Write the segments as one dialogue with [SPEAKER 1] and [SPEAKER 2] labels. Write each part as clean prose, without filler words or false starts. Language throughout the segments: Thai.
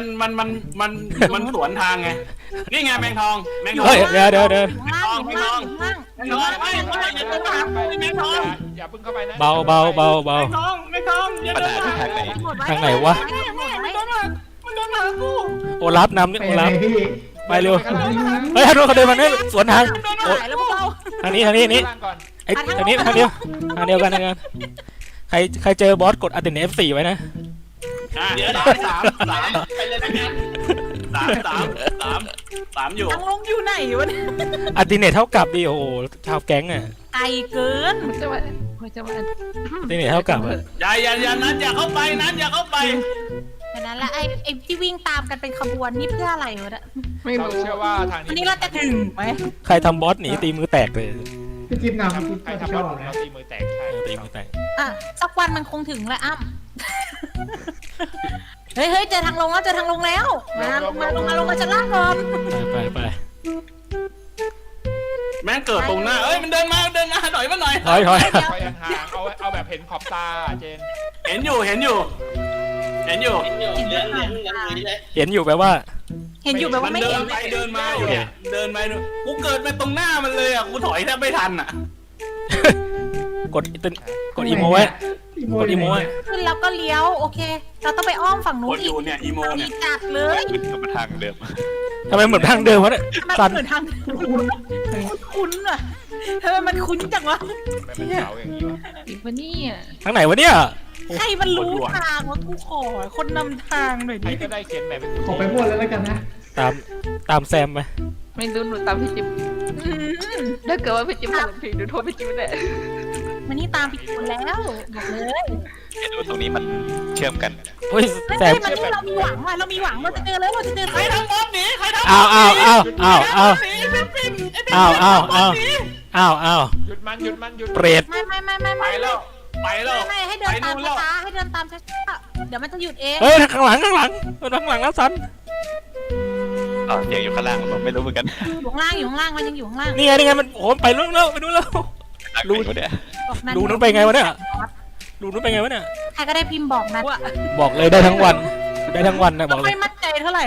[SPEAKER 1] มันสวนทางไงนี่ไงแมงทอง
[SPEAKER 2] เฮ้ยเดี๋ยว
[SPEAKER 1] แมงทองไม่อย่าเพิ่งถามแมงทอง
[SPEAKER 3] อย่าเพิ่งเข้าไปนะ
[SPEAKER 2] เบา
[SPEAKER 1] แมงทองอย่าเดิน
[SPEAKER 2] ทางไหนวะ
[SPEAKER 1] มันโดนหากู
[SPEAKER 2] โอลัฟนำนี่โอลัฟไปเร็วเฮ้ยฮันโนเขาเดินมาเนี่ยสวนทางทางนี้นี่ไอ้ทางนี้ทางเดียวกันใครเจอบอสกดอัลติเนฟ4ไว้นะ
[SPEAKER 1] เดี๋ยว3ไปเลยนะ3อยู่
[SPEAKER 4] ยังลงอยู่ไหนวะเนี่ย
[SPEAKER 2] อัลติเนตเท่ากับดิโอ้ชาวแก๊งอ่ะ
[SPEAKER 4] ไกลเกิน
[SPEAKER 2] อัลติเนตเท่ากับ
[SPEAKER 1] อย่านั้นอย่าเข้าไป
[SPEAKER 4] แต่นั้นแหละไอ้ที่วิ่งตามกันเป็นขบวนนี่เพื่ออะไรวะเนี่ย
[SPEAKER 3] ไม่รู้เชื่อว่าทาง
[SPEAKER 4] วันนี้เราจะถึงไหม
[SPEAKER 2] ใครทำบอสหนีตีมือแตกเลย
[SPEAKER 5] พี่จิ๊บนำ
[SPEAKER 3] ใครทำบอสเราตีมือแตกใช่
[SPEAKER 2] ตีมือแตก
[SPEAKER 4] สักวันมันคงถึงแหละอ้ำเฮ้ยเจอทางลงแล้วลงมาชั้นล่างก่อน
[SPEAKER 2] ไป
[SPEAKER 1] แม่งเกิดตรงหน้าเอ้ยมันเดินมาหน่อย
[SPEAKER 2] ถอย
[SPEAKER 3] ห่างเอาแบบเห็นขอบตาเจน
[SPEAKER 1] เห็นอยู่
[SPEAKER 2] แปลว่า
[SPEAKER 4] เห็นอยู่แบบว่าไม่เห็น
[SPEAKER 1] เดินมาอยู่เนี่ยเดินไปกูเกิดมาตรงหน้ามันเลยอ่ะกูถอยแทบไม่ทันอ่ะ
[SPEAKER 2] กดอีโมไว้
[SPEAKER 4] ขึ้นแล้วก็เลี้ยวโอเคเราต้องไปอ้อมฝั่งนู้น
[SPEAKER 1] อีกเนี่ยอีโมเนี่ย
[SPEAKER 4] จัดเลย
[SPEAKER 6] มาทางเดิม
[SPEAKER 2] ทำไมเหมือนทางเดิมวะเนี่ย
[SPEAKER 4] สันเหมือนทางคุ้นอ่ะทำไมมันคุ้นจังวะ
[SPEAKER 3] เป็นเสาอย่างนี้วะ
[SPEAKER 4] อีกวะนี่
[SPEAKER 2] ทางไหนวะเนี่ย
[SPEAKER 4] ใครมันรู้ทางวะกูขอคนนำทางหน่อยดิ
[SPEAKER 3] ใครก็ได้เขียนแบบเป็น
[SPEAKER 5] ขอไปพูดแล้วกันนะ
[SPEAKER 2] ตามแซมไป
[SPEAKER 7] ไม่รู้หนูตามพี่จิ๊บถ้าเกิดว่าพี่จิ๊บทำผิดหนูโทษพี่จิ๊บเลย
[SPEAKER 4] มันนี่ตามผิดคนแล้วบอกเลย
[SPEAKER 6] ดูตรงนี้มันเชื่อมกัน
[SPEAKER 2] เฮ้ยแซม
[SPEAKER 4] มันนี่เรามีหวังเราจะเจอแล้ว
[SPEAKER 1] ใครทำบอสหนี
[SPEAKER 2] อ้าว
[SPEAKER 3] หยุดมัน
[SPEAKER 2] เปรต
[SPEAKER 4] ไม่
[SPEAKER 1] ไปแล้ว
[SPEAKER 4] ไม่ให้เดินตามช้าเดี๋ยวมันจะหยุดเอง
[SPEAKER 2] เฮ้ยข้างหลังแล้วสัน
[SPEAKER 6] เสียงอยู่ข้างล่างผมไม่รู้เหมือนกัน
[SPEAKER 4] อยู่ข้างล่างมันยังอยู่ข้างล่าง
[SPEAKER 2] นี่ไงมันโหไปนู่นแล้วรู้
[SPEAKER 6] เนี่ย
[SPEAKER 2] ดูนู้นไปไงวะเนี่ยใคร
[SPEAKER 4] ก็ได้พิมพ์บอกนะ
[SPEAKER 2] บอกเลยได้ทั้งวันนะบอกเลย
[SPEAKER 4] ไม่มั่นใจเท่าไหร่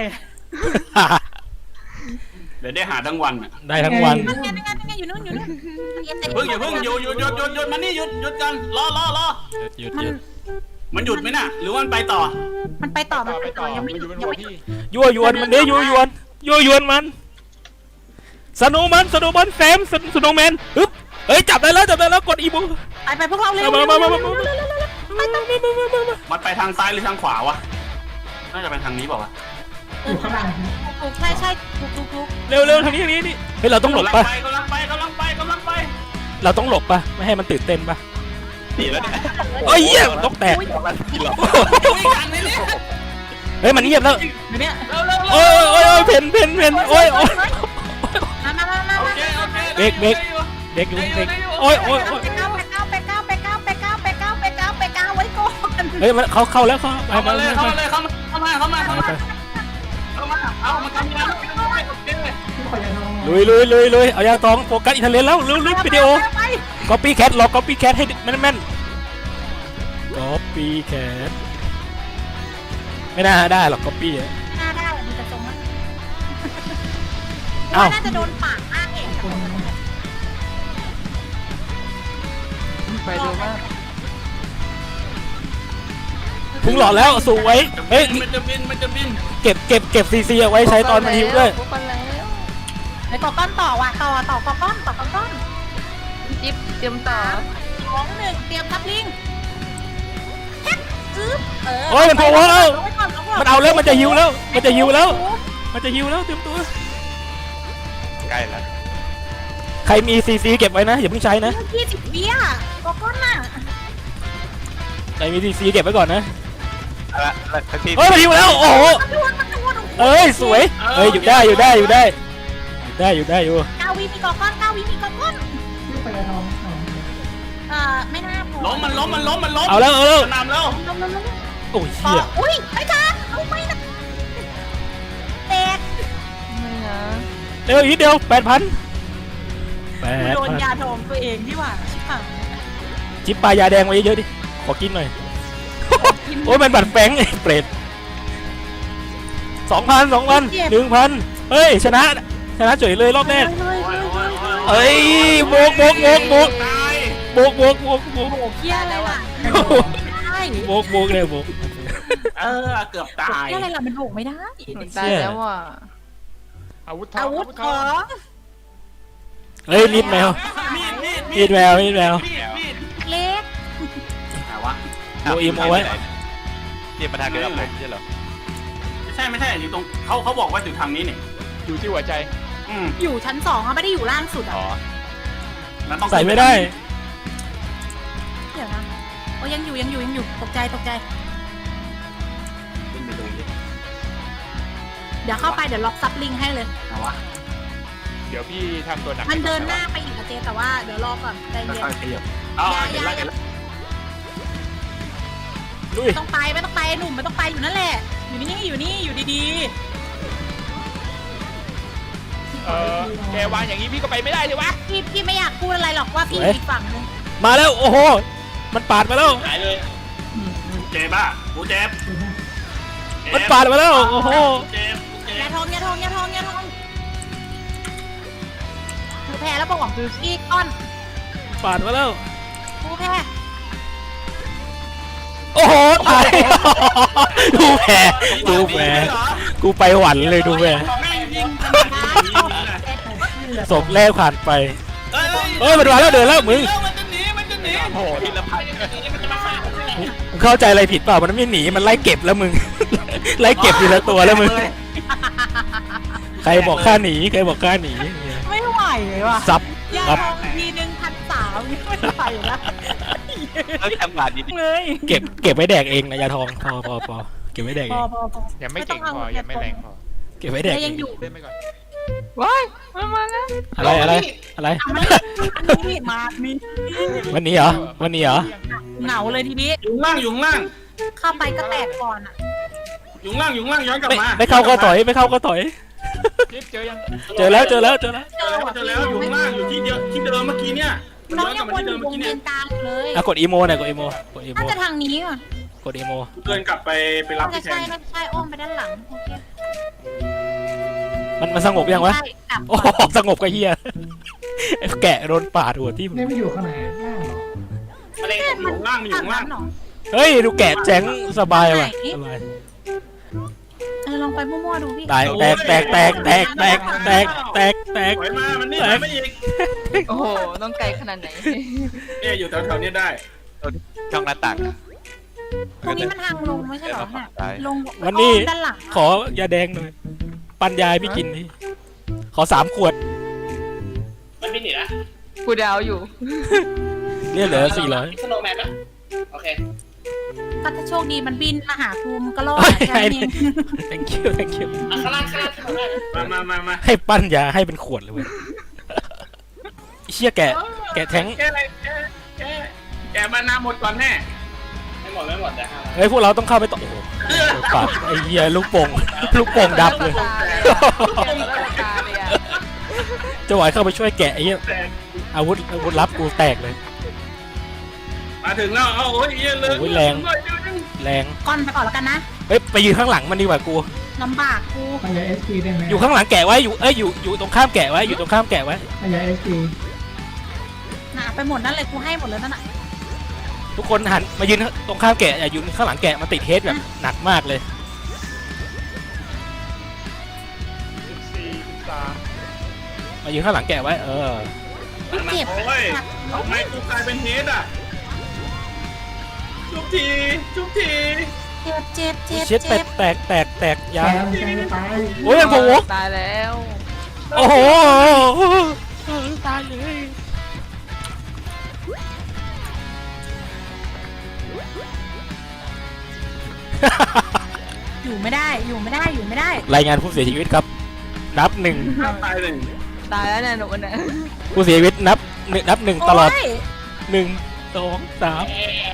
[SPEAKER 1] เดี๋ยวได้หาทั้งวันอ่ะ
[SPEAKER 2] ได้ทั้งวัน
[SPEAKER 4] นั่นไงอยู่นู่น
[SPEAKER 1] อย่าเพิ่งหยุดมันนี่หยุดกันรอ
[SPEAKER 2] หยุด
[SPEAKER 1] มันหยุดไหมน่ะหรือว่ามันไปต่อ
[SPEAKER 4] ยังไม่หยุด
[SPEAKER 2] ยั่วยวนมันยั่วยวนมันสโนมันแซมสโนแมนปึ๊บเฮ้ยจับได้แล้วกดอีโม
[SPEAKER 4] ไปพวกเราเร็ว
[SPEAKER 1] มันไปทางซ้ายหรือทางขวาวะน่าจะเป็นทางนี้เปล่าวะ
[SPEAKER 4] ถูกใช่ถูก
[SPEAKER 2] เร็วทางนี้เฮ้ยเราต้องหลบป่ะ
[SPEAKER 1] กำลังไป
[SPEAKER 2] เราต้องหลบป่ะไม่ให้มันตื่นเต้นป่ะ
[SPEAKER 6] ดีแล้วเนี่ย
[SPEAKER 2] เฮ้ยต้องแตกเฮ้ยมันเงียบแล้ว
[SPEAKER 4] เนี่ย
[SPEAKER 2] โอ้ยเพนโอ้ยเบรกอยู่โอ้ย
[SPEAKER 4] ไปก้าวไว้ก่อน
[SPEAKER 2] เฮ้ยมันเข้าแล้วเข้า
[SPEAKER 1] มาเลยเข้ามาเอามันทำยัง
[SPEAKER 2] ลุยเอายาตองโฟกัสอิตาเลียนแล้วลุยวิดีโอก๊อปปี้แคทหลอกก๊อปปี้แคทให้แม่นก๊อปปี้แคทไม่น่าได้หรอกก๊อปปี้
[SPEAKER 4] ได้มันจะตรงนั้นน่าจะโดนปากมากเอง
[SPEAKER 7] ไปดูว่า
[SPEAKER 2] พุ่งหลอดแล้วสวยเฮ้ย
[SPEAKER 1] มันจะบิน
[SPEAKER 2] เก็บซีเอาไว้ใช้ตอนมันหิวด้วย
[SPEAKER 4] ไปต่อก้อนต่อว่ะต่อก้อน
[SPEAKER 7] จิ๊บเตรียมต่อ
[SPEAKER 4] 2 1เตรียมทับลิง
[SPEAKER 2] โอ้ยมันโผล่แล้วมันเอาแล้วมันจะหิวแล้วเตรียมตัว
[SPEAKER 6] ใกล้แล้ว
[SPEAKER 2] ใครมีซีเก็บไว้นะอย่าเพิ่งใช้นะ
[SPEAKER 4] 20 วิอ่ะก้อนน่ะ
[SPEAKER 2] ใครมีซีเก็บไว้ก่อนนะ
[SPEAKER 6] เฮ้
[SPEAKER 2] ยมันหิวแล้วโอ้โหเอ้ยสวยเฮ้ยอยู่ได้อยู่
[SPEAKER 4] 9 วิมีก้อนไม่น่าพอ
[SPEAKER 1] ล้ม
[SPEAKER 2] เอาแล้ว
[SPEAKER 1] นำแล้ว
[SPEAKER 2] โอ้ยเหี้ย
[SPEAKER 4] อุ้ยไอ้ท่านเอาไม่นะแตก
[SPEAKER 2] เร็วอีกเดียว 8,000
[SPEAKER 4] โดนยาดองตัวเองที่ว่าชิบหาย
[SPEAKER 2] จิ๊บปลายาแดงไว้เยอะๆดิขอกินหน่อยโอ้ยมันบัดแฝงไอ้เปรต 2,000 1,000เฮ้ยชนะเฉยเลยรอบแรก เอ้ยโบก
[SPEAKER 1] ตาย
[SPEAKER 2] โบก
[SPEAKER 4] โอ้เหี้ยอะไรล่ะใช่
[SPEAKER 2] โบกเลยโบก
[SPEAKER 1] เกือบตาย
[SPEAKER 4] เหี้ยอะไรล่ะมันโบกไม่ได้
[SPEAKER 7] ตายแล้วว่ะ
[SPEAKER 3] อาวุธทอง
[SPEAKER 4] อาวุธ
[SPEAKER 3] ท
[SPEAKER 4] ข
[SPEAKER 3] อ
[SPEAKER 4] อง ง
[SPEAKER 2] เฮ้ยมีดแมว มีดแมว
[SPEAKER 1] มีด
[SPEAKER 4] เล็ก
[SPEAKER 1] ไหนวะ
[SPEAKER 2] โบอิมเอาไว้
[SPEAKER 6] นี่มาทางเดียวกับผมใช่เหรอ
[SPEAKER 1] ไม่ใช่อยู่ตรงเขาบอกว่าอยู่ทางนี้เนี่ย
[SPEAKER 3] อยู่ที่หัวใจ
[SPEAKER 4] อยู่ชั้น2เขาไม่ได้อยู่ล่างสุดอ่ะ
[SPEAKER 6] อ๋อ
[SPEAKER 1] มันต้อง
[SPEAKER 2] ใส่ไม่ได้
[SPEAKER 4] เดี๋ยวนะโอ้ยังอยู่ตกใจ
[SPEAKER 1] ขึ้นไปดูดิ
[SPEAKER 4] เดี๋ยวเข้าไปเดี๋ยวล็อกซับลิงให้เลย
[SPEAKER 1] ไหนวะ
[SPEAKER 3] เดี๋ยวพี่ทำตัวหนัก
[SPEAKER 4] มันเดินหน้าไปอีกอะเจแต่ว่าเดี๋ยวรอก่อนใจเย็น
[SPEAKER 1] ค่อยๆขยับเห็นแล้ว
[SPEAKER 2] ลุย
[SPEAKER 4] ไม่ต้องไปไอ้หนุ่มไม่ต้องไปอยู่นั่นแหละอยู่นี่อยู่ดี
[SPEAKER 3] แกวางอย่างนี้พี่ก็ไปไม่ได้เลยวะ
[SPEAKER 4] ๆพี่ไม่อยากพูดอะไรหรอกว่าพี่อยู่อีกฝั่งนึง
[SPEAKER 2] มาแล้วโอ้โหมันปาดมาแล้ว
[SPEAKER 1] หายเลยเจ็บป่ะกูเจ็บ
[SPEAKER 2] มันปาดมาแล้วโอ้โห
[SPEAKER 1] เจ็บ
[SPEAKER 4] อย่าทองกูแพ้แล้วบอกพี่ก้อน
[SPEAKER 2] ปาดมาแล้ว
[SPEAKER 4] กูแพ้
[SPEAKER 2] โอ้โหตายดูแผลกูไปหวันเลยดูแผล
[SPEAKER 1] แม่งยิง
[SPEAKER 2] ศพแรกผ่านไปเฮ้ยมันมาแล้วเดินแล้วมึง
[SPEAKER 1] มันจะหนี
[SPEAKER 3] โอ้โห
[SPEAKER 1] ทีละพันมันจะมาฆ่า
[SPEAKER 2] มึงเข้าใจอะไรผิดเปล่ามันไม่หนีมันไล่เก็บแล้วมึง ไล่เก็บทีละตัวแล้วมึงใครบอกข้าหนี
[SPEAKER 4] ไม่ไหวเลยว่ะ
[SPEAKER 2] ซับ
[SPEAKER 4] ยา
[SPEAKER 2] ครับ
[SPEAKER 4] ทองทีนึง1,300นี่ไม่ไหวแล้ว
[SPEAKER 6] แล้วทำงานดี
[SPEAKER 4] เลย
[SPEAKER 2] เก็บไว้แดกเองนะยาทองพอเก็บไว้แดก
[SPEAKER 4] พ
[SPEAKER 2] เอ
[SPEAKER 4] อง
[SPEAKER 3] ยังไม่เก่งพอยังไม่แรงพอ
[SPEAKER 2] เก็บไว้แดก
[SPEAKER 4] แต่
[SPEAKER 2] เอ
[SPEAKER 4] ยัง งอยู่
[SPEAKER 3] เล่นไปก่อน
[SPEAKER 7] ว้ายมันมาแล้ว
[SPEAKER 2] อะไร
[SPEAKER 4] นี่มามี
[SPEAKER 2] วันนี้เหรอ
[SPEAKER 4] เหงาเลยทีนี้
[SPEAKER 1] อยู่ข้างล่าง
[SPEAKER 4] เข้าไปก็แตกก่อนอ่ะ
[SPEAKER 1] อยู่ข้างล่างย้อนกลับมา
[SPEAKER 2] ไม่เข้าก็ถอย
[SPEAKER 3] จิ๊บเจอยัง
[SPEAKER 2] เจอแล้ว
[SPEAKER 1] เจอแล้วอยู่ข้างล่างอยู่ที่เดิมเมื่อกี้เนี่ย
[SPEAKER 4] น้อง
[SPEAKER 1] ย้อนก
[SPEAKER 4] ยั
[SPEAKER 1] ลับ
[SPEAKER 4] ง
[SPEAKER 1] มา
[SPEAKER 4] วน
[SPEAKER 1] ที่
[SPEAKER 4] อ
[SPEAKER 1] เดิม
[SPEAKER 4] ยู่ว
[SPEAKER 1] เมื่อง กี้
[SPEAKER 4] เวี
[SPEAKER 1] เนี่ย
[SPEAKER 4] ยนกลางเลย
[SPEAKER 2] กดอีโมหน่อยกดอีโม
[SPEAKER 4] น่าจะทางนี้อ่ะ
[SPEAKER 2] กดอีโม
[SPEAKER 1] เดินกลับไปรับ
[SPEAKER 4] น่าจะ
[SPEAKER 1] พี่แท
[SPEAKER 4] ใช่
[SPEAKER 1] น
[SPEAKER 4] อ้อมไปด้านหลังโอเค
[SPEAKER 2] มันสงบยังวะ
[SPEAKER 4] ใช่กลับ
[SPEAKER 2] โอ้สงบก็เฮียแกะโดนปาดหัวที่
[SPEAKER 5] นี่ไม่อยู่ข้างไหนล่างเหรอ
[SPEAKER 1] อะไรอยู่ข้างล่างมันอยู่ข้างล่าง
[SPEAKER 4] หรอ
[SPEAKER 2] เฮ้ยดูแกะแจ้งสบายว่ะสบาย
[SPEAKER 4] ลองไปมั่วๆดูพี่
[SPEAKER 2] ตายแตก
[SPEAKER 1] ถอยมามันนี่ถอยไม่อีก
[SPEAKER 7] โอ้โหต้องไกลขนาดไหน
[SPEAKER 1] เนี่ยอยู่แถวๆนี้ได้
[SPEAKER 6] ช่องหน้าต่าง
[SPEAKER 4] ตรงนี้มันทางลงไม่ใช่เหรอเนี่ยลง
[SPEAKER 2] วันนี้
[SPEAKER 4] ด้านหลัง
[SPEAKER 2] ขอยาแดงหน่อยปันยายพี่กินนี่ขอ3 ขวด
[SPEAKER 1] มันไม่หนีนะ
[SPEAKER 7] กูดาวอยู่
[SPEAKER 2] เนี่ยเหลือ400
[SPEAKER 1] สโนว์แมนนะโอเค
[SPEAKER 4] ก็ถ้าโชคดีมันบินมาหาภูมิก็รอด
[SPEAKER 2] เฮ้ย
[SPEAKER 4] แค่นี้
[SPEAKER 2] thank you
[SPEAKER 1] ข้างล่างมา
[SPEAKER 2] ให้ปั้นยาให้เป็นขวดเลยเว้ยเชี่ยแกะแท้ง
[SPEAKER 1] แกมานาหมดก่อนแน่ไม่หมดแต่
[SPEAKER 2] เฮ้ยพวกเราต้องเข้าไปต่อโอ้โหปาดไอ้เหี้ยลูกโป่งดับเลย
[SPEAKER 7] ตาเลยอะ
[SPEAKER 2] จะไหวเข้าไปช่วยแกะไอ้เหี้ยอาวุธลับกูแตกเลย
[SPEAKER 1] มาถึงแล้วโอ้ยเยอะเลย
[SPEAKER 2] โอ้ยแรง
[SPEAKER 4] ก่อนไปก่อนแล้วกันนะ
[SPEAKER 2] เฮ้ยไปยืนข้างหลังมันดีกว่ากู
[SPEAKER 4] ลำบากกู
[SPEAKER 5] ขยาย SP ได้ไหม
[SPEAKER 2] อยู่ข้างหลังแกะไว้อยู่ตรงข้ามแกะไว้อยู่ตรงข้ามแกะไว้
[SPEAKER 5] ขยาย SP
[SPEAKER 4] หนาไปหมดนั่นเลยกูให้หมดเลยนั่นน่ะ
[SPEAKER 2] ทุกคนหันมายืนตรงข้ามแกะอย่ายืนข้างหลังแกะมันติดเฮดแบบหนักมากเลย
[SPEAKER 3] 14 13
[SPEAKER 2] มายืนข้างหลังแกะไว้
[SPEAKER 4] เจ็บ
[SPEAKER 1] โอ้ยทำไมกูกลายเป็นเฮดอ่ะชุบที
[SPEAKER 4] เจ็บ
[SPEAKER 2] เช็ดแตกยา
[SPEAKER 5] แซมจะตาย
[SPEAKER 2] โอ้ยมันโผล่
[SPEAKER 7] ตายแล้ว
[SPEAKER 2] โอ้โหตายเลย
[SPEAKER 4] อยู่ไม่ได้
[SPEAKER 2] รายงานผู้เสียชีวิตครับ นับ
[SPEAKER 1] ตายเลย
[SPEAKER 7] ตายแล้วเนี่ยหนูเนี่ย
[SPEAKER 2] 1ผู้เสียชีวิตนับ 1ตลอด
[SPEAKER 4] โย
[SPEAKER 2] 1 2 3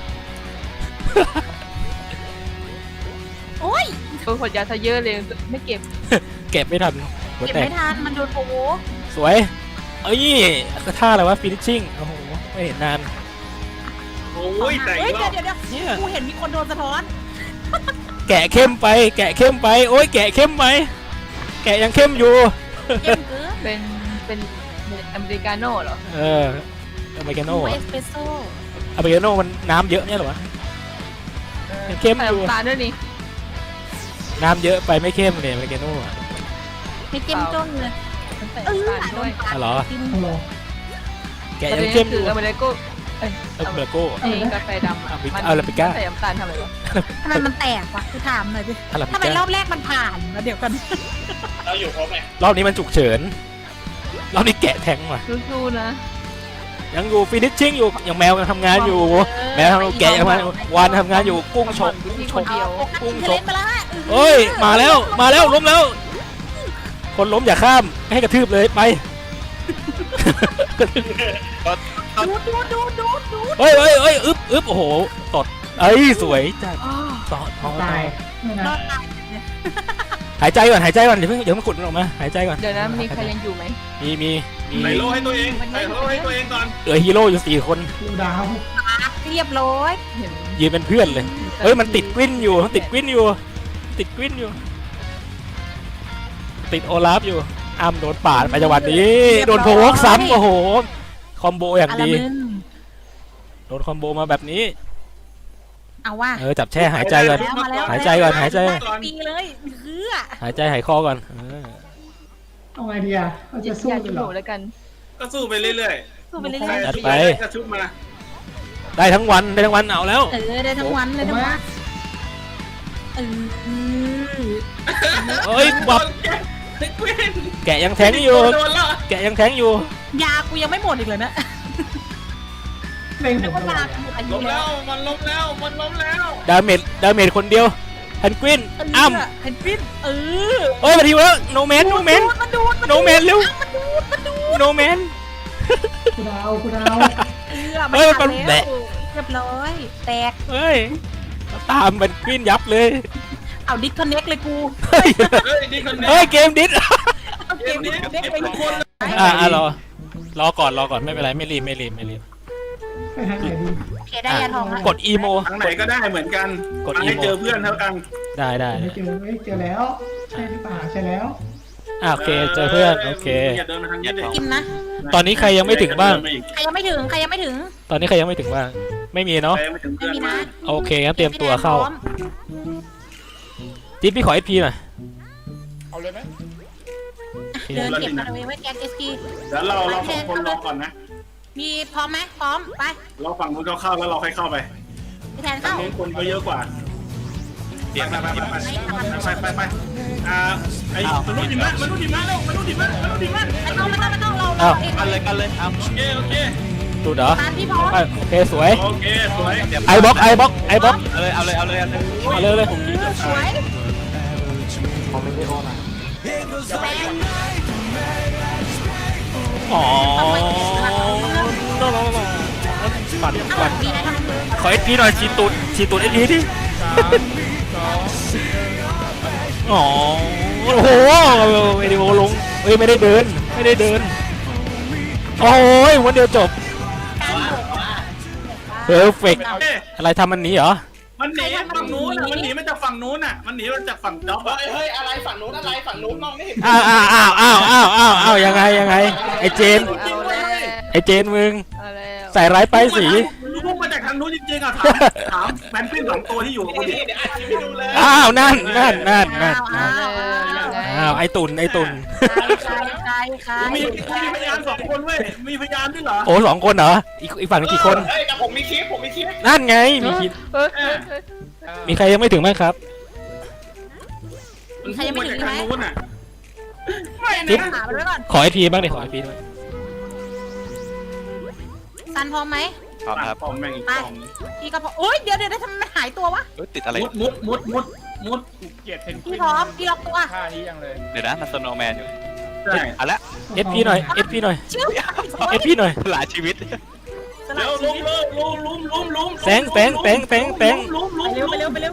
[SPEAKER 4] โอ้ย
[SPEAKER 7] โดนขวดยาซะเยอะเลยไม่เก็บ
[SPEAKER 2] เก็บไม่ทันหัว
[SPEAKER 4] เก็บ
[SPEAKER 2] แตก
[SPEAKER 4] ไม่ทันมันโดนโผล่
[SPEAKER 2] สวยเอ้ยท่าอะไรวะฟินิชชิ่งโอ้โหไม่เห็นนาน
[SPEAKER 1] โอ้ยแต่
[SPEAKER 4] เฮ้ย
[SPEAKER 1] รอบ
[SPEAKER 4] เดี๋ยวกูเห็นมีคนโดนสะท้อน
[SPEAKER 2] แกแกะเข้มไป แกะเข้มไป โอ้ยแกะเข้มไปแกะยังเข้มอยู่
[SPEAKER 4] เย็นคือ
[SPEAKER 7] เป็นอเมริกาโน่เหรอ
[SPEAKER 2] เอออเมริกาโน่
[SPEAKER 4] เอสเปรสโซ่
[SPEAKER 2] อเมริกาโน่มันน้ำเยอะเนี่ยเหรอวะยังเข้ม
[SPEAKER 7] ใส่
[SPEAKER 2] อยู่
[SPEAKER 7] น้ำตาลด้วยนี่
[SPEAKER 2] น้ำเยอะไปไม่เข้มเลยอเมริกาโน่อะ
[SPEAKER 4] ให้เจ้มจ้นเลย
[SPEAKER 7] ใส่น้ำตาลด้วย
[SPEAKER 2] อ๋อเหรอ
[SPEAKER 4] กิน
[SPEAKER 5] ฮัลโหล
[SPEAKER 2] แกะยังเข้มอ
[SPEAKER 7] คื
[SPEAKER 2] ยู่
[SPEAKER 7] ออเมริกา
[SPEAKER 2] อเมริกาโก้
[SPEAKER 7] ไอ้กาแฟดำอะ
[SPEAKER 2] อาราบิก้า
[SPEAKER 7] ใส่น้ำตาลทำอะไรวะ
[SPEAKER 4] ทำไมมันแตกวะคือถามหน่อยดิ
[SPEAKER 2] อาราบิ
[SPEAKER 4] ทำไมร
[SPEAKER 2] ก้า
[SPEAKER 4] อบแรกมันผ่านแล้วเดี๋ยวกัน
[SPEAKER 1] เราอยู่ครบไหม
[SPEAKER 2] รอบนี้มันฉุกเฉินรอบนี้แกะแทงว่ะ
[SPEAKER 7] สู้ๆนะ
[SPEAKER 2] ยังอยู่ฟินิชชิ่งอยู่ยังแมวยังทำงานอยู่ แมวทำแกะยังวานทำงานอยู่กุ้งฉก
[SPEAKER 7] ที่คนเดียว
[SPEAKER 2] กุ้งฉ
[SPEAKER 4] เล่
[SPEAKER 2] ก
[SPEAKER 4] นไปแล้วฮะ
[SPEAKER 2] เอ้ยมาแล้วล้มแล้ว คนล้มอย่าข้ามให้กระทืบเลยไป
[SPEAKER 4] ดูด
[SPEAKER 2] เฮ้ยอึบโอ้โหตดเอ้ยสวยจัดต่อ
[SPEAKER 5] ตายไม่
[SPEAKER 4] ร
[SPEAKER 5] นะ
[SPEAKER 4] อดตาย
[SPEAKER 2] หายใจก่อนเดี๋ยวมันขุดมันออกมาหายใจก่อน
[SPEAKER 7] เดี๋ยวนะมีใครยังอยู่ไหม
[SPEAKER 2] มี
[SPEAKER 1] ใส่โล่ให้ตัวเองใส่โล่ให้ตัวเองก่อน
[SPEAKER 2] เหลือฮีโร่อยู่4 คน
[SPEAKER 5] กูดาว
[SPEAKER 4] เรียบร้อย
[SPEAKER 7] เห็น
[SPEAKER 2] ยืนเป็นเพื่อนเลยเฮ้ยมันติดกวินอยู่ติดกวินอยู่ติดโอลาฟอยู่อ้ำโดนปาดไปจังหวะนี้โดนโพวกซ้ำโอ้โหคอมโบอย่างดีโดนคอมโบมาแบบนี้
[SPEAKER 4] เอาว่า
[SPEAKER 2] จับแช่หายใจก่อน
[SPEAKER 4] มาแล้ว
[SPEAKER 2] หายใจก่อนหายใจ
[SPEAKER 4] ปีเลยคือ
[SPEAKER 2] หายใจหายคอก่อน
[SPEAKER 5] เอาไงดีอ่ะเราจะสู้
[SPEAKER 7] อย่า
[SPEAKER 5] กั
[SPEAKER 7] จุ
[SPEAKER 5] น
[SPEAKER 7] ด
[SPEAKER 5] เห
[SPEAKER 7] ห
[SPEAKER 5] ร
[SPEAKER 7] นู
[SPEAKER 5] อ
[SPEAKER 7] แล้วกัน
[SPEAKER 1] ก็สู้ไปเรื่อย
[SPEAKER 4] สู้ไปเรื่
[SPEAKER 1] ๆ
[SPEAKER 4] อย
[SPEAKER 2] จัดไป
[SPEAKER 1] กระชุบมา
[SPEAKER 2] ได้ทั้งวันเอาแล้ว
[SPEAKER 4] ๆได้ทั้งวันเลยทั้งวันเออ
[SPEAKER 2] เฮ้ยบับแกะยังแทงอยู่
[SPEAKER 1] โดนแล้ว
[SPEAKER 2] แกะยังแทงอยู่
[SPEAKER 4] ยากูยังไม่หมดอีกเลยนะ
[SPEAKER 5] เล่นผ
[SPEAKER 4] นึก
[SPEAKER 5] ม
[SPEAKER 4] ว่า
[SPEAKER 5] ตล
[SPEAKER 4] ยา
[SPEAKER 5] อด
[SPEAKER 4] กูหมดอายุ
[SPEAKER 1] ล้ม
[SPEAKER 4] แล้
[SPEAKER 1] แล้ว วมันล้มแล้ว
[SPEAKER 2] ดาเมจคนเดียวแพนกวินอ้ำ
[SPEAKER 4] เพนกวิน
[SPEAKER 2] เฮ้ยมาทีแล้วโนแมน
[SPEAKER 4] มันดูด
[SPEAKER 2] โนแมนเร็วโนแมน
[SPEAKER 5] กูดาว
[SPEAKER 2] เฮ้ยมันแบะ
[SPEAKER 4] เรียบร้อยแตก
[SPEAKER 2] เฮ้ยตามแพนกวินยับเลย
[SPEAKER 4] เอาดิสคอนเน็กเลยกู
[SPEAKER 2] เฮ้ย
[SPEAKER 1] นี่คนนี้
[SPEAKER 2] เฮ้ยเกมดิส
[SPEAKER 4] เอาเกมดิสคอนเน็กไปทุกคน
[SPEAKER 2] รอก่อนไม่เป็นไรไม่รีบ
[SPEAKER 5] ไปทางไหนดี
[SPEAKER 4] เคได้ยาทองละ
[SPEAKER 2] กดอีโม
[SPEAKER 1] ทางไหนก็ได้เหมือนกัน
[SPEAKER 2] กด
[SPEAKER 1] ให้
[SPEAKER 2] อีโม
[SPEAKER 1] เจอเพื่อนเท่ากัน
[SPEAKER 2] ได้
[SPEAKER 5] ไม่เจอแล้วใช่หรือเปล่าใช่แล้ว
[SPEAKER 2] โอเคเจอเพื่อนโอเค
[SPEAKER 1] อย่าเดินมาทางนี้ดิ
[SPEAKER 4] กินนะ
[SPEAKER 2] ตอนนี้ใครยังไม่ถึงบ้าง
[SPEAKER 4] ใครยังไม่ถึง
[SPEAKER 2] ตอนนี้ใครยังไม่ถึงบ้างไม่มีเนาะ
[SPEAKER 1] ใครยังไม่ถึง
[SPEAKER 4] ไม่
[SPEAKER 1] เพื่อน
[SPEAKER 4] มี
[SPEAKER 1] มา
[SPEAKER 4] นะ
[SPEAKER 2] โอเคงั้นเตรียมตัวเข้าจิ๊บพี่ขอ SP หน่อย
[SPEAKER 3] เอาเลยไหม
[SPEAKER 4] เดินเก็บมาเลยไว้แกนเอสกี
[SPEAKER 1] เดี๋ยวเราสองคนรอก่อนนะ
[SPEAKER 4] มีพร้อมไหมพร้อมไป
[SPEAKER 1] เราฝั่งนู้นเข้าแล้วเราค่อยเข้าไป
[SPEAKER 4] พี่แทน
[SPEAKER 1] ฝั่ง
[SPEAKER 4] เข้า
[SPEAKER 1] นู้นคนก็เยอะกว่า
[SPEAKER 6] เตรียม
[SPEAKER 1] ไป
[SPEAKER 6] มา
[SPEAKER 1] ไปไอ้มนุษย์หิมะเร็วมนุษย์หิมะ
[SPEAKER 4] ไม่ต้องเรา
[SPEAKER 2] อ้าว
[SPEAKER 6] กันเลยอ้ำ
[SPEAKER 1] โอเค
[SPEAKER 2] ดูดเหรอ
[SPEAKER 4] ตามพี่พร้อม
[SPEAKER 2] โอเคสวย
[SPEAKER 1] โอเคสวย
[SPEAKER 2] ไอบล็อก
[SPEAKER 6] เอาเลย
[SPEAKER 2] เอาเลย
[SPEAKER 4] สวยแบง
[SPEAKER 2] อ๋อปั่น
[SPEAKER 4] มีอะไรทำ
[SPEAKER 2] ขอ SP หน่อยฉีดตูด SP ดิ อ๋อโอ้โหไม่ได้โมลงเฮ้ยไม่ได้เดินโอ้ยวันเดียวจบเพอร์เฟกอะไรทำมันนี้เหรอ
[SPEAKER 1] มันหนีฝั่งนู้นมันหนีมาจากฝั่งนู้นมันหนีมาจากฝั่งจ๊อบเฮ้ยอะไรฝั่งนู้นมองไม่เห็น
[SPEAKER 2] อ้าวยังไงไอเจน
[SPEAKER 7] เอาแล้ว
[SPEAKER 2] มึง
[SPEAKER 7] เอาแล้ว
[SPEAKER 2] ใส่ร้ายป้ายสี
[SPEAKER 1] พุ่งมาจากทางนู้นจริงๆถามแมนฟิน2 ตัวที่อยู่กับกูดิเดี๋ยวอัดคลิปให้ดูเลย
[SPEAKER 2] อ้าวนั่น
[SPEAKER 4] อ้าว
[SPEAKER 2] ไอตุ่น
[SPEAKER 4] ใคร
[SPEAKER 1] มีพยาน2 คนเว้ยมีพยานด้วยเหรอ
[SPEAKER 2] โอ้2 คนเหรออีกฝั่งนึงกี่คน
[SPEAKER 1] เฮ้ยแต่ผมมีคลิปให้
[SPEAKER 2] นั่นไงมีคิด มีใครยังไม่ถึงบ้างครับ
[SPEAKER 1] มันพุ่งมาจากทางนู้นไม่
[SPEAKER 2] จิ๊บ
[SPEAKER 1] นะ
[SPEAKER 4] หาไปไว้ก่อน
[SPEAKER 2] ขอ SP บ้างดิขอ SP ด้วย
[SPEAKER 4] ซันพร้อมไหม
[SPEAKER 6] พร้อมครับ
[SPEAKER 1] ปอมแม่งอีก
[SPEAKER 4] ไป
[SPEAKER 1] ปอม
[SPEAKER 4] พี่ก็พร้อมโอ๊ยเดี๋ยวทำไมมันหายตัววะ
[SPEAKER 6] ติดอะไร
[SPEAKER 1] มุด
[SPEAKER 3] เกลียดเพนกวิ
[SPEAKER 4] พี่
[SPEAKER 3] น
[SPEAKER 4] พร้อมพี่ล็อกตัว
[SPEAKER 3] ท่านี้ยังเลย
[SPEAKER 6] เดี๋ยวนะมันสโนว์แมนอยู่
[SPEAKER 1] ใช่
[SPEAKER 6] เอาละ
[SPEAKER 2] SP หน่อย SP หน่อย
[SPEAKER 4] ชื่อ
[SPEAKER 2] SP หน่อย
[SPEAKER 6] หลายชีวิต
[SPEAKER 4] สลั
[SPEAKER 1] เร็
[SPEAKER 4] บ
[SPEAKER 1] ว
[SPEAKER 4] ชีวิต
[SPEAKER 1] ลุม
[SPEAKER 2] แสง
[SPEAKER 4] ไปเร็ว
[SPEAKER 2] ไป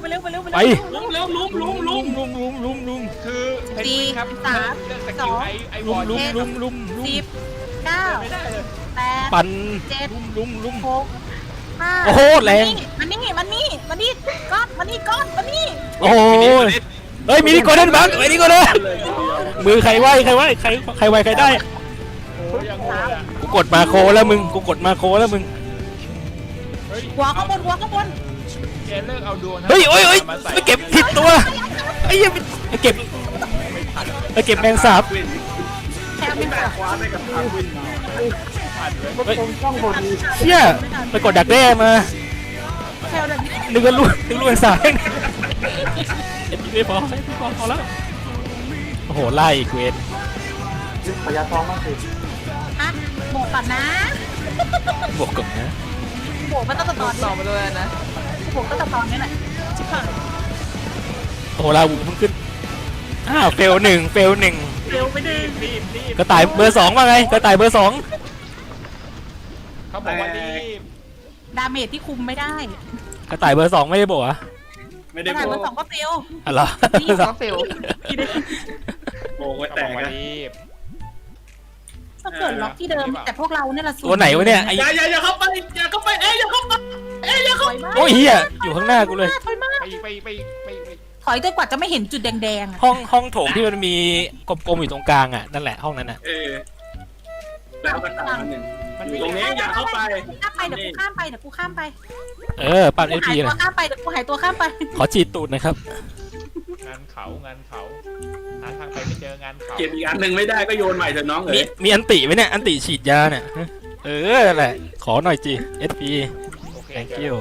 [SPEAKER 4] ลุม
[SPEAKER 3] คือเพนกวินครับ
[SPEAKER 4] 4 3
[SPEAKER 3] เลือกสกิลไอวอล
[SPEAKER 2] ลุม
[SPEAKER 4] 10 9
[SPEAKER 3] ไม่ได้เลย
[SPEAKER 4] 8
[SPEAKER 2] ปั่น
[SPEAKER 4] 7
[SPEAKER 2] ลุม
[SPEAKER 4] 6
[SPEAKER 2] โอ้โหแรง
[SPEAKER 4] มันนี่ก้อนมันนี่
[SPEAKER 2] โอ้โหเฮ้ยมีนี่โกลเด้นบังไอ้นี่โกลเด้นมือใครไหวใครไหวใครได้
[SPEAKER 3] โอ้ยยังโหดอ่ะ
[SPEAKER 2] กูกดมาโคแล้วมึงกูกดมาโคแล้วมึง
[SPEAKER 3] เฮ้ย
[SPEAKER 4] หัวข้างบน
[SPEAKER 3] แกเลิกเอาดวง
[SPEAKER 2] เฮ้ยโอ้ย
[SPEAKER 3] มาใส่
[SPEAKER 2] ไม่เก็บผิดตัวไอ้เหี้ยไปเก็บแมงสาบ
[SPEAKER 4] แค่ไม่แบบ
[SPEAKER 1] คว้าได้กับทางวิน
[SPEAKER 3] ผ่านเลย
[SPEAKER 2] เฮ้ยเชี่ยไปกดดักแด้มา
[SPEAKER 4] แค่แบบ
[SPEAKER 2] นึกว่าลูกแมงสาบเอ็ดไม่พอแล้วโอ้โหไล่อีกเวร
[SPEAKER 4] ฮะโบกก่อนนะ
[SPEAKER 2] บวกกับนะ
[SPEAKER 4] โบกไม่ต้องตะตอน
[SPEAKER 7] ต่อมาด้วยนะ
[SPEAKER 4] โบกต้องตะตอนนี่แหละชิบหาย
[SPEAKER 2] โอ้โหลาวูเพิ่งขึ้นเฟลหนึ่ง
[SPEAKER 4] เร็วไปดึง
[SPEAKER 3] รีบ
[SPEAKER 2] กระต่ายเบอร์ 2ว่าไงกระต่ายเบอร์ 2
[SPEAKER 3] เขาบอกว่ารีบ
[SPEAKER 4] ดาเมจที่คุมไม่ได้
[SPEAKER 2] กระต่ายเบอร์ 2ไม่ได้บอกอ่ะ
[SPEAKER 1] ไม่
[SPEAKER 4] ก
[SPEAKER 1] ได้
[SPEAKER 4] ระ
[SPEAKER 1] โบ
[SPEAKER 4] ถางเบอร์ 2ก็เฟล
[SPEAKER 2] อะไร
[SPEAKER 7] ก็เฟล
[SPEAKER 1] โบกไว้
[SPEAKER 3] เขา
[SPEAKER 1] แต
[SPEAKER 3] บอก
[SPEAKER 1] ก
[SPEAKER 3] ว่า
[SPEAKER 1] นะ
[SPEAKER 3] รีบ
[SPEAKER 4] ก็เกิดล็อกที่เดิมแต่พวกเราเนี่ยละสู
[SPEAKER 2] ตัวไหนวะเนี่ยไอ้
[SPEAKER 1] อย่าเข้าไปอย่าเข้าไปอย่าเข้าไปอย่าเข้า
[SPEAKER 4] ถอยมาก
[SPEAKER 2] โอ้ยเฮียอยู่ข้างหน้ากูเลย
[SPEAKER 4] ถอยมาก
[SPEAKER 3] ไป
[SPEAKER 4] ถอยจนกว่าจะไม่เห็นจุดแดงๆอะ
[SPEAKER 2] ห้องโถงที่มันมีกลมๆอยู่ตรงกลางอ่ะนั่นแหละห้องนั้นอ่ะ
[SPEAKER 1] แล้วกระต่ายมันหนึ่ง
[SPEAKER 3] มัน
[SPEAKER 1] อยู่ตรงนี้อย่าเข้าไป
[SPEAKER 4] ข้ามไปเดี๋ยวกูข้ามไป
[SPEAKER 2] ปั่นเอ
[SPEAKER 4] กู
[SPEAKER 2] พี
[SPEAKER 4] หาย
[SPEAKER 2] เล
[SPEAKER 4] ตัวย ข้ามไปเดี๋ยวกูหายตัวข้ามไป
[SPEAKER 2] ขอฉีดตูดหนะครับ
[SPEAKER 3] งานเขาหาทางไปไม่เจองานเขา
[SPEAKER 1] เก็บอีกอันหนึ่งไม่ได้ก็โยนใหม่เถอะน้อง
[SPEAKER 2] มีอันติไหมเนี่ยอันติฉีดยาเนี่ยนั่นแหละขอหน่อยจีเอสพี
[SPEAKER 3] โอเค
[SPEAKER 2] thank you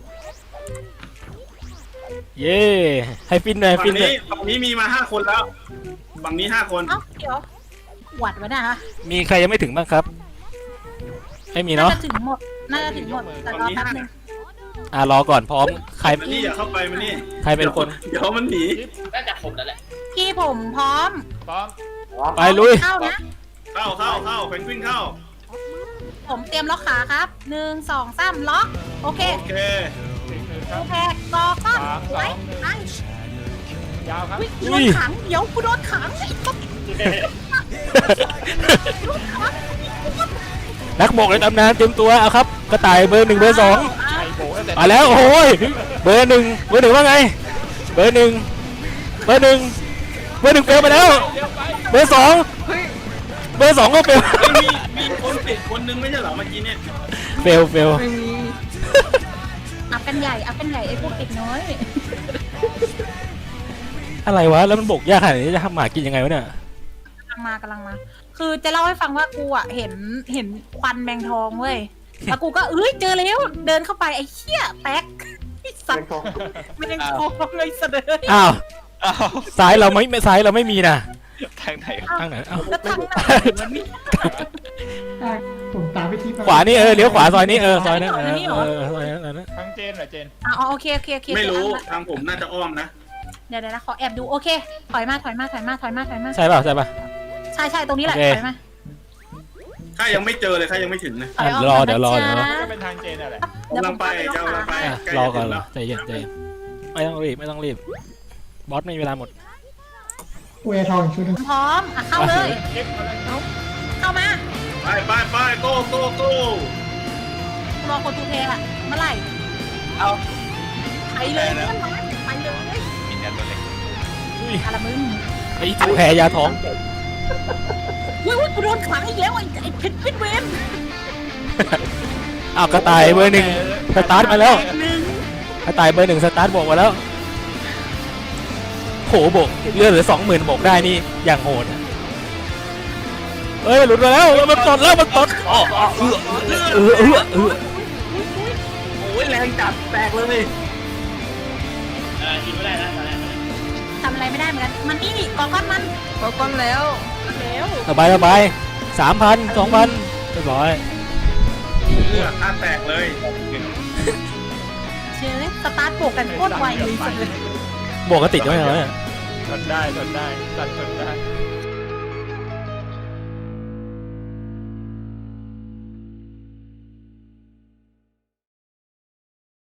[SPEAKER 2] เย้ให้ฟินหน่อย
[SPEAKER 1] ฝั่
[SPEAKER 2] ฟิ
[SPEAKER 1] ง
[SPEAKER 2] นหน่
[SPEAKER 1] นี้
[SPEAKER 2] อย
[SPEAKER 1] ฝั่งนี้มีมา5 คนแล้วฝั่งนี้5 คน
[SPEAKER 4] เอ้าเดี๋ยวหวัดไว้นะคะ
[SPEAKER 2] มีใครยังไม่ถึงบ้างครับไม่มี
[SPEAKER 4] น่า
[SPEAKER 2] เนาะ
[SPEAKER 4] จะถึงหมดแต่รอแป๊บนึง
[SPEAKER 2] รอก่อนพร้อมใคร
[SPEAKER 1] มานี่อย่าเข้าไปมานี่
[SPEAKER 2] ใครเป็นคน
[SPEAKER 1] เดี๋ยวมันหนี
[SPEAKER 4] พี่ผมพร้อม
[SPEAKER 3] พร้อม
[SPEAKER 2] ไปลุย
[SPEAKER 4] เข้านะ
[SPEAKER 1] เข้าเพนกวินเข้า
[SPEAKER 4] ผมเตรียมล็อกขาครับ1 2 3ล็อกโอเค
[SPEAKER 1] โอเค
[SPEAKER 4] โอเคกอก้อนไว้ไอ้
[SPEAKER 3] ยาวครับ
[SPEAKER 4] กูโดนขังเดี๋ยวกูโดนขังไอ้ตุ๊ก
[SPEAKER 2] นักบกในตำนานเตรียมตัวเอาครับกระต่ายเบอร์ 1เบอร์ 2
[SPEAKER 3] ไอ้โบตั้งแต่
[SPEAKER 2] มาแล้วโอ้ยเบอร์ 1ว่าไงเบอร์ 1เฟลไปแล้วเบอร์ 2เบอร์ 2ก็เฟล
[SPEAKER 1] มีคนติดคนนึงไม่ใช่เหรอเมื่อกี้เนี่ย
[SPEAKER 2] เฟล
[SPEAKER 7] ไม่มี
[SPEAKER 4] อัพกันใหญ่ไอ้พวกเด็กน้อย
[SPEAKER 2] อะไรวะแล้วมันบกยากขนาดนี้จะทำหมากินยังไงวะเนี่ย
[SPEAKER 4] กำลังมาคือจะเล่าให้ฟังว่ากูอ่ะเห็นควันแมงทองเว้ยแล้วกูก็เจอแล้วเดินเข้าไปไอ้เหี้ยแป๊กไอ้สัตว์แมงทองเลยเสดย
[SPEAKER 2] อ้าว
[SPEAKER 6] อ้าว
[SPEAKER 2] ซ้ายเราไม่มีนะ
[SPEAKER 6] ทางไหน
[SPEAKER 2] ทางไหนอ้าว
[SPEAKER 4] แล้วทางไหนมันนี่
[SPEAKER 5] ผมตามไปที่
[SPEAKER 2] ขวานี่เลี้ยวขวาซอยนี้ซอยนั้นซอยนั้น
[SPEAKER 3] ทั้งเจนเหรอเจน
[SPEAKER 4] อ๋อโอเค
[SPEAKER 1] ไม่รู้ทางผมน่าจะอ้อมนะ
[SPEAKER 4] เดี๋ยวนะขอแอบดูโอเคถอยมา
[SPEAKER 2] ใช่ป่ะ
[SPEAKER 4] ใช่ตรงนี้แหละถอยมา
[SPEAKER 1] ข้ายังไม่เจอเลยข้ายังไม่ถึงนะ
[SPEAKER 4] ถอยออก
[SPEAKER 2] รอ
[SPEAKER 4] ก่นนะ
[SPEAKER 2] เดี๋ยวรอ
[SPEAKER 4] จ๊ะ
[SPEAKER 3] ก็เป็นทางเจนอะไร
[SPEAKER 1] กำลังไปกำลังไป
[SPEAKER 2] รอก่อนใจเย็นไม่ต้องรีบบอสไม่มีเวลาหมด
[SPEAKER 5] กูแอร์ทองอีกชุดหนึง
[SPEAKER 4] พร้อมเข้าเลย
[SPEAKER 3] เก็บอะไร
[SPEAKER 4] เข้ามา
[SPEAKER 1] ไปโก้
[SPEAKER 4] รอคนทูเทอะเมื่อไหร่
[SPEAKER 6] เอา
[SPEAKER 4] ไปเลยไปเลย
[SPEAKER 6] มีแต่ตัวเล็ก
[SPEAKER 4] อะไรมึง
[SPEAKER 2] ไอ้ถูแพ้ยาท้อง
[SPEAKER 4] อุ้ยกูโดนขังอีกแล้วไอ้เพชรพิษเวน
[SPEAKER 2] อ้าวกระต่ายเบอร์ 1สตาร์ทมาแล้วกระต่ายเบอร์ 1สตาร์ทบอกมาแล้วโหบกเลือดเหลือ 20,000บกได้นี่อย่างโหดหลุดมาแล้วมันตด
[SPEAKER 1] โอ้ยแรงจัดแตกเลย
[SPEAKER 4] ทำอะไรไม่ได้เหมือนกันมันนี่กอก้อนมัน
[SPEAKER 7] ก็ก้อนแล้ว
[SPEAKER 4] แล้ว
[SPEAKER 2] สบาย3,000 2,000เรียบร้อย
[SPEAKER 1] ข้าแตกเลย
[SPEAKER 4] เชื่อสตาร์ทโบกกันโคตรไวเลยสุดเลย
[SPEAKER 2] บวกก็ติดด้วยเหรอเนี่ย
[SPEAKER 3] ทนได้สั่นทนได้